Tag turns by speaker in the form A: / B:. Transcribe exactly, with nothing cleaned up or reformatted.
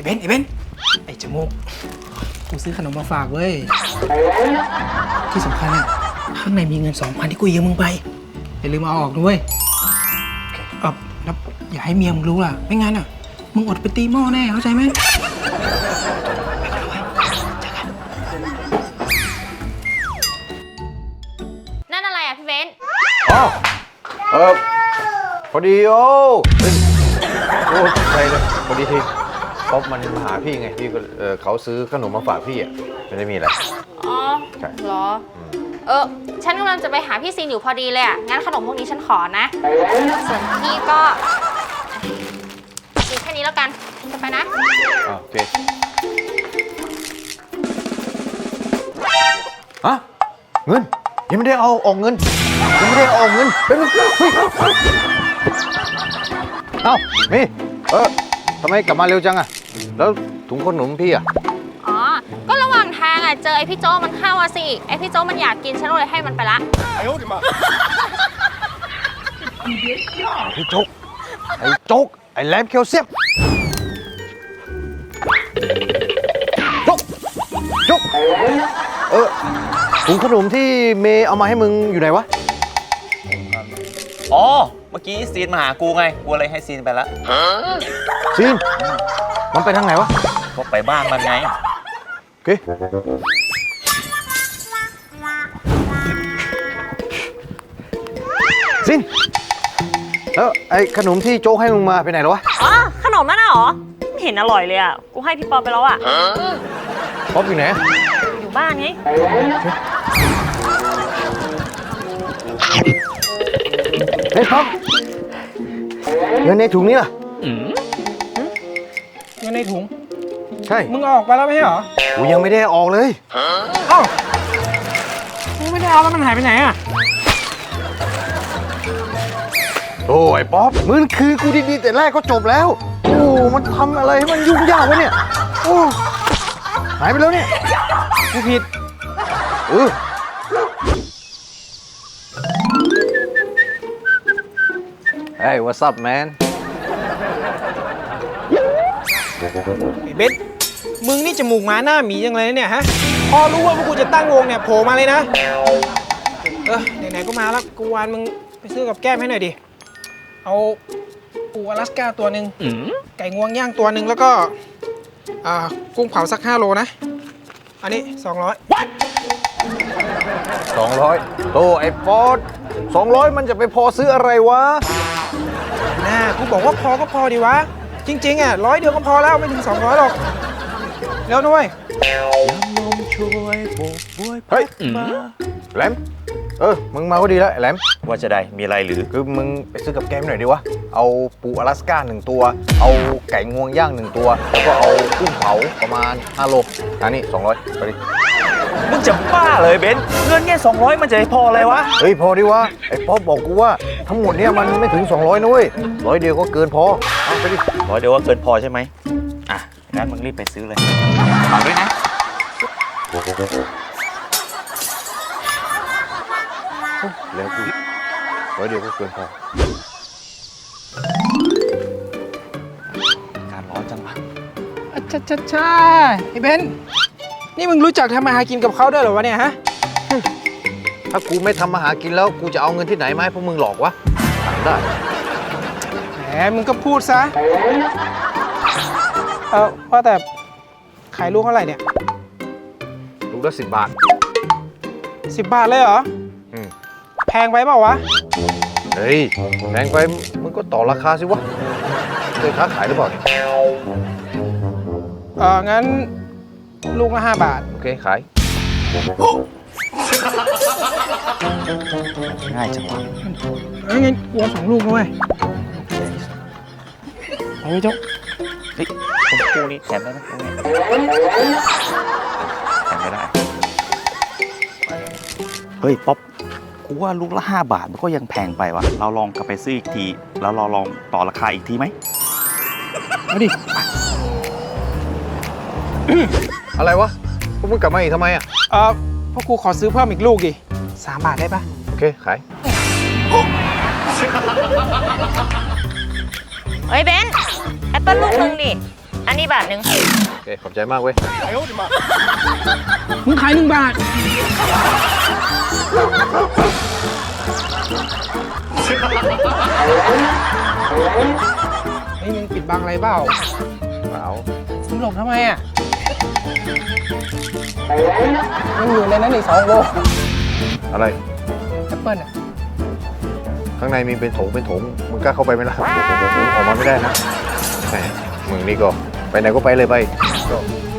A: เบนไอ้เบนไอ้จมูกกูซื้อขนมมาฝากเว้ยที่สำคัญอะข้างในมีเงินสองพันที่กูยืมมึงไปอย่าลืมเอาออกด้วยเออแล้วอย่าให้เมียมึงรู้ล่ะไม่งั้นอะมึงอดไปตีหม้อแน่เข้าใจไหม
B: นั่นอะไรอ่ะพี่เบน
C: อ๋อเออพอดีโอ้โอ้ใช่เลยพอดีทีป๊อปมันมาหาพี่ไงพี่ก็เออเขาซื้อขนมมาฝากพี่อ่ะไม่ได้มีอะไร
B: อ๋อ
C: ใช่
B: เหรอเออฉันกำลังจะไปหาพี่ซีนอยู่พอดีเลยอ่ะงั้นขนมพวกนี้ฉันขอนะส่วนพี่ก็กินแค่นี้แล้วกันจะไปนะ
C: อ่าโอเคฮะเงินยังไม่ได้เอาออกเงินยังไม่ได้เอาออกเงินเป็นมึงเอ้ามีเออทำไมกลับมาเร็วจังอะแล้วถุงขนมพี่อะ
B: อ๋อก็ระหว่างทางอ่ะเจอไอพี่โจมันเข้าอ่ะสิไอพี่โจมันอยากกินฉันเลยให้มันไปละ
C: พี่โจ๊กไอ้โจ๊กไอ้แหลมเคียวเสียบโจ๊กโจ๊กเออถุงขนมที่เมย์เอามาให้มึงอยู่ไหนวะ
D: อ๋อ เมื่อกี้ซีนมาหากูไง กูเลยให้ซีนไปแล้ว
C: ซีนมันไปทางไหนวะ
D: ก็ไปบ้านมันไง
C: โอเคซีนแล้วไอ้ขนมที่โจ๊กให้มึงมาไปไหนแล้ววะ
E: อ๋อขนมนั่นน่ะเหรอไม่เห็นอร่อยเลยอ่ะ กูให้พี่ปอไปแล้วอ่ะ
C: ป๊อปอยู่ไหน
E: อยู่บ้านไง
C: เฮ้ยป๊อปเงินในถุงนี้ล่ะ
A: เงินในถุง
C: ใช่
A: มึงเอาออกไปแล้วไม่ใช่เหรอ
C: กูยังไม่ได้ออกเลย
A: เอ้ามึงไม่ได้เอาแล้วมันหายไปไหนอ่ะ
C: โอ้ยป๊อปมึงคือกูดีๆแต่แรกก็จบแล้ว โอ้มันทำอะไรให้มันยุ่งยากวะเนี่ยโอ้หายไปแล้วเนี่ย
A: กูผิด
C: เออเฮ้ย what's up man
A: ไอ้เบนมึงนี่จมูกหมาหน้าหมียังไงเนี่ยฮะ พอรู้ว่าพวกกูจะตั้งวงเนี่ยโผล่มาเลยนะ เออไหนๆก็มาแล้วกูวานมึงไปซื้อกับแก้มให้หน่อยดิ เอาปูอลาสก้าตัวหนึ่งไก่งวงย่างตัวหนึ่งแล้วก็อ่ากุ้งเผาสักห้าโลนะ อันนี้สองร้อย
C: สองร้อยโตไอ้ป๊อดสองร้อยมันจะไปพอซื้ออะไรวะ
A: น่ากูบอกว่าพอก็พอดีวะ จริงๆอ่ะร้อยเดียวก็พอแล้วไม่ถึงสองร้อยหรอกเร็วด้วย
C: เฮ้ยแหลมเออ มึงมาก็ดีแล้วไอ้แหลม
D: ว่าจะได้มีอะไรหรือ
C: คือมึงไปซื้อกับแกมหน่อยดิวะ เอาปูอลาสก้าหนึ่งตัว เอาไก่งวงย่างหนึ่งตัว แล้วก็เอากุ้งเผาประมาณห้าโลอันนี้สองร้อยไปดิ
D: มึงจะบ้าเลยเบนเงินแค่สองร้อยมันจะพออะไรวะ
C: เฮ้ยพอดิวะ ไอ้ป๊อปบอกกูว่าทั้งหมดเนี่ยมันไม่ถึงสองร้อยนะเว้ยร้อยเดียวก็เกินพอ เอาไปดิ
D: ร้อยเดียวว่าเกินพอใช่ไหม อ่ะ งั้นมึงรีบไปซื้อเลยฝากด้วยนะ
C: แล้วกูร้อยเดียวก็เกินพอ
D: การร้อนจังวะ
A: อ่ะช่าช่าช่าไอ้เบนนี่มึงรู้จักทำมาหากินกับเขาด้วยเหรอวะเนี่ยฮะ
C: ถ้ากูไม่ทำมาหากินแล้วกูจะเอาเงินที่ไหนมาให้พวกมึงหลอกวะถามได้
A: แหมมึงก็พูดซะ เออว่าแต่ขายลูกเท่าไหร่เนี่ย
C: ลูกละสิบบาท
A: สิบบาทเลยเหรอ
C: อืม
A: แพงไปเปล่าวะ
C: เฮ้ยแพงไปมึงก็ต่อราคาสิวะเคยค้าขายหรือเปล่าเนี่ย
A: เอองั้นลูกละห้าบาท
C: โอเคขาย
D: ง่ายจังวะ
A: เอ้ยงั้นกลัวสองลูกด้วยเอาไว้เจ้า
D: เฮ้ยผมกูนี่แถมได้ไหมกูเนี่ยแถมไม่ได้ เฮ้ย ป๊อป กูว่าลูกละห้าบาทมันก็ยังแพงไปวะเราลองกลับไปซื้ออีกที แล้วเราลองต่อราคาอีกทีไหม
A: เอาดิ
C: อะไรวะพวกมึงกลับมาอีกทำไมอ่ะ
A: เออพ่อครูขอซื้อเพิ่มอีกลูกดิสามบาทได้ปะ
C: โอเคขาย
E: เฮ้ยเบนแอปเปิ้ลลูกนึงดิอันนี้บาทหนึ่ง
C: โอเค ขอบใจมากเว้ย
A: มึงขายหนึ่งบาท เฮ้ยมึงปิดบังอะไรเปล่า
C: เปล่า
A: มึงหลบทำไมอ่ะมันอยู่ในนั้นอีกสองโล
C: อะไร
A: แอปเปิ้ลอ่ะ
C: ข้างในมีเป็นถงเป็นถงมึงกล้าเข้าไปไหมล่ะออกมาไม่ได้นะแหมมึงนี่ก็ไปไหนก็ไปเลยไปก็